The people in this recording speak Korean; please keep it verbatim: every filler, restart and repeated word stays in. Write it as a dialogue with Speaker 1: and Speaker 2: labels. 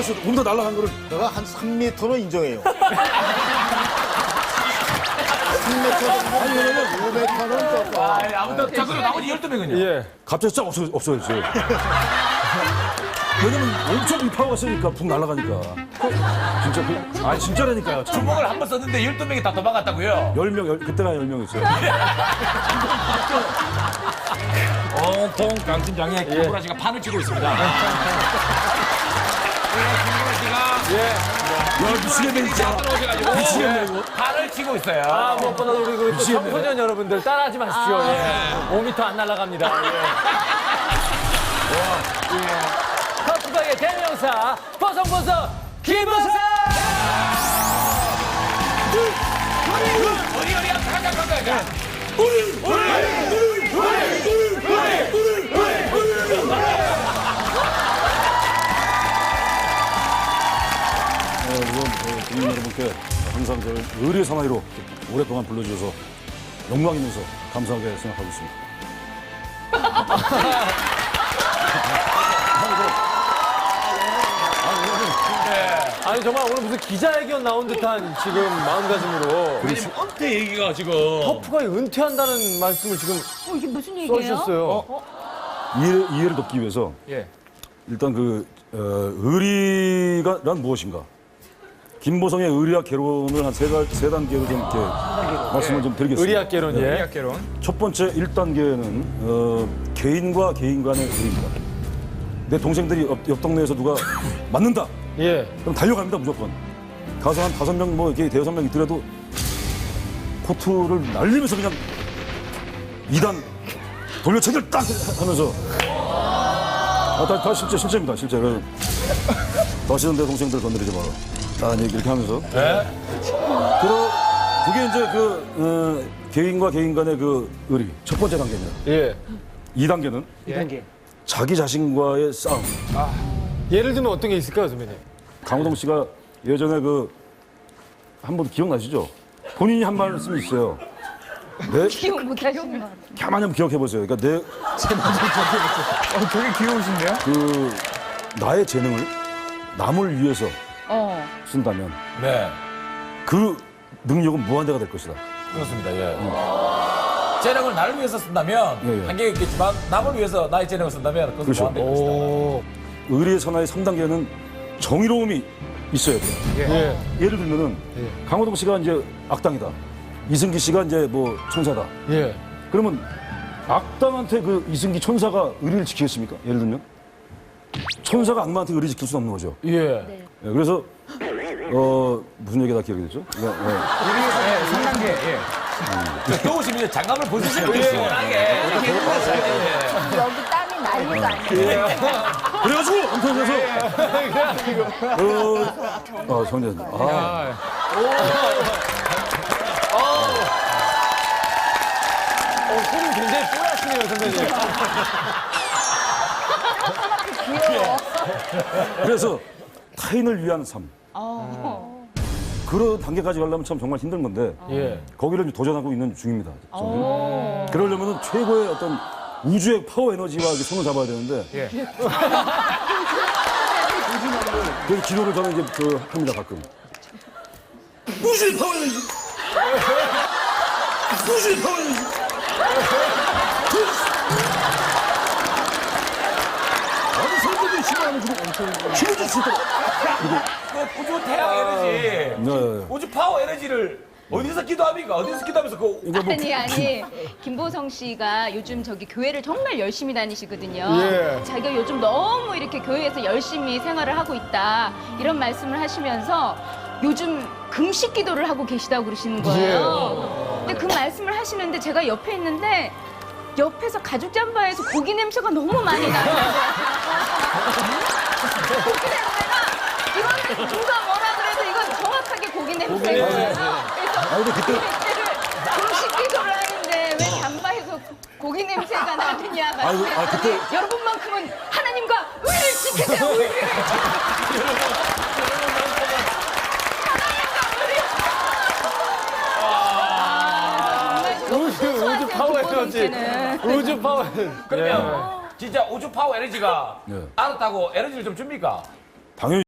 Speaker 1: 보시오. 몸도 날아간 거를.
Speaker 2: 내가 한 삼 미터는 인정해요. 삼 미터 정도. 아니, 왜냐면 오 미터는 조금.
Speaker 3: 아, 아무튼 자 그럼 나머지 열두 명은요?
Speaker 4: 예.
Speaker 1: 갑자기 쫙 없어, 없어졌어요. 왜냐면 엄청 이 파워가 세니까 붕 날아가니까. 진짜 그, 아니 진짜라니까요.
Speaker 3: 주먹을 한 번 썼는데 열두 명이 다 도망갔다고요?
Speaker 1: 열 명, 열, 그때가 열 명이었어요.
Speaker 3: 온통 강심장에 김구라 씨가 판을 치고 있습니다. 김구라 씨가
Speaker 1: 야, 미치겠네, 진짜.
Speaker 3: 들어오셔가지고
Speaker 1: 미치겠네, 이거.
Speaker 3: 판을 치고 있어요.
Speaker 4: 아, 무엇보다 우리 그 또 청소년 여러분들 따라하지 마십시오. 예. 오 미터 안 날아갑니다. 예. 예. 터프가의 대명사 버성버성 김버성!
Speaker 3: 우리 우리 한번 가자 가자.
Speaker 1: 어, 우선 어, 국민 여러분께 항상 저를 의리의 사나이로 오랫동안 불러주셔서 영광이면서 감사하게 생각하고 있습니다.
Speaker 4: 아니 정말 오늘 무슨 기자회견 나온 듯한 지금 마음가짐으로
Speaker 3: 지금 은퇴 얘기가 지금
Speaker 4: 터프가 은퇴한다는 말씀을 지금
Speaker 5: 어, 이게 무슨 얘기예요?
Speaker 4: 써주셨어요.
Speaker 1: 이해, 이해를 돕기 위해서
Speaker 4: 예.
Speaker 1: 일단 그 어, 의리가란 무엇인가? 김보성의 의리학 개론을 한 세 세 단계로 좀 이렇게 말씀을 좀 드리겠습니다.
Speaker 4: 의리학개론 예.
Speaker 3: 의학개론.
Speaker 1: 첫 번째 일 단계는 어, 개인과 개인 간의 의리입니다. 내 동생들이 옆, 옆 동네에서 누가 맞는다.
Speaker 4: 예.
Speaker 1: 그럼 달려갑니다 무조건. 가서 한 다섯 명 뭐 이렇게 대여섯 명 있더라도 코트를 날리면서 그냥 이 단 돌려체들 딱 하면서 아, 다, 다 실제 실제입니다 실제. 그래서 다시는 내 동생들 건드리지 마라. 아, 이렇게 하면서.
Speaker 3: 네.
Speaker 1: 그러, 그게 이제 그 어, 개인과 개인 간의 그 의리 첫 번째 단계입니다.
Speaker 4: 예.
Speaker 1: 이 단계는
Speaker 4: 이 단계.
Speaker 1: 자기 자신과의 싸움.
Speaker 4: 예를 들면 어떤 게 있을까요, 선배님?
Speaker 1: 강호동 씨가 예전에 그 한 번 기억나시죠? 본인이 한 말씀이 있어요. 내
Speaker 5: 기억 못 하시는 것 같아요.
Speaker 1: 가만히 한번 기억해 보세요. 그러니까 내
Speaker 3: 어, 되게 귀여우신데요?
Speaker 1: 그 나의 재능을 남을 위해서
Speaker 5: 어.
Speaker 1: 쓴다면
Speaker 3: 네.
Speaker 1: 그 능력은 무한대가 될 것이다.
Speaker 3: 그렇습니다. 예. 재능을 나를 위해서 쓴다면
Speaker 1: 예, 예.
Speaker 3: 한계가 있겠지만 남을 위해서 나의 재능을 쓴다면 그것은
Speaker 1: 그렇죠.
Speaker 3: 무한될 것이다.
Speaker 4: 오.
Speaker 1: 의리의 선화의 삼 단계는 정의로움이 있어야 돼요.
Speaker 4: 예.
Speaker 1: 예를 들면은 강호동 씨가 이제 악당이다. 이승기 씨가 이제 뭐 천사다.
Speaker 4: 예.
Speaker 1: 그러면 악당한테 그 이승기 천사가 의리를 지키겠습니까? 예를 들면 천사가 악마한테 의리 지킬 수 없는 거죠.
Speaker 4: 예.
Speaker 1: 예, 그래서 어 무슨 얘기가 다 기억이 되죠? 그러니까, 예.
Speaker 3: 우리 예, 삼 단계. 예. 더우시면 장갑을 벗으시는 게 시원하게.
Speaker 5: 여기 땀이 난리가 아니에요.
Speaker 1: 그래가지고 엄청나서 어, 어 성재 아,
Speaker 4: 어, 손이 굉장히 뽀얗시네요, 선배님.
Speaker 5: 귀여워.
Speaker 1: 그래서 타인을 위한 삶
Speaker 5: 어.
Speaker 1: 그런 단계까지 가려면 참 정말 힘든 건데
Speaker 4: 예.
Speaker 1: 거기를 좀 도전하고 있는 중입니다. 저는.
Speaker 5: 어.
Speaker 1: 그러려면 최고의 어떤 우주의 파워 에너지와 이렇게 손을 잡아야 되는데 그래서 기도를 저는 이제 그 합니다 가끔. 우주의 파워 에너지. 우주의 파워 에너지. 아니 선생님이 싫어하는 그룹 엄청 힘을 줄 있도록.
Speaker 3: 그 우주 태양 에너지,
Speaker 1: 네, 네.
Speaker 3: 우주 파워 에너지를 어디서 기도합니까? 어디서 기도하면서 그
Speaker 1: 이거 뭐
Speaker 5: 아니 아니 김보성 씨가 요즘 저기 교회를 정말 열심히 다니시거든요.
Speaker 4: 예.
Speaker 5: 자기가 요즘 너무 이렇게 교회에서 열심히 생활을 하고 있다 이런 말씀을 하시면서 요즘 금식 기도를 하고 계시다고 그러시는 거예요. 근데 그 말씀을 하시는데 제가 옆에 있는데 옆에서 가죽 잠바에서 고기 냄새가 너무 많이 나요. 고기 냄새가 이거는 누가 뭐라 그래도 이건 정확하게 고기 냄새예요. 그래서
Speaker 1: 아니, 근데 그때-
Speaker 5: 금식 기도를 하는데 왜 잠바에서 고기 냄새가 나느냐
Speaker 1: 아이고, 아, 그때-
Speaker 5: 말씀하시는데 여러분만큼은 하나님과 의를 지키세요. 의를.
Speaker 4: 우주, 우주 파워 에너지. 우주 파워 에너지.
Speaker 3: 그러면 진짜 우주 파워 에너지가
Speaker 1: 예.
Speaker 3: 알았다고 에너지를 좀 줍니까?
Speaker 1: 당연히.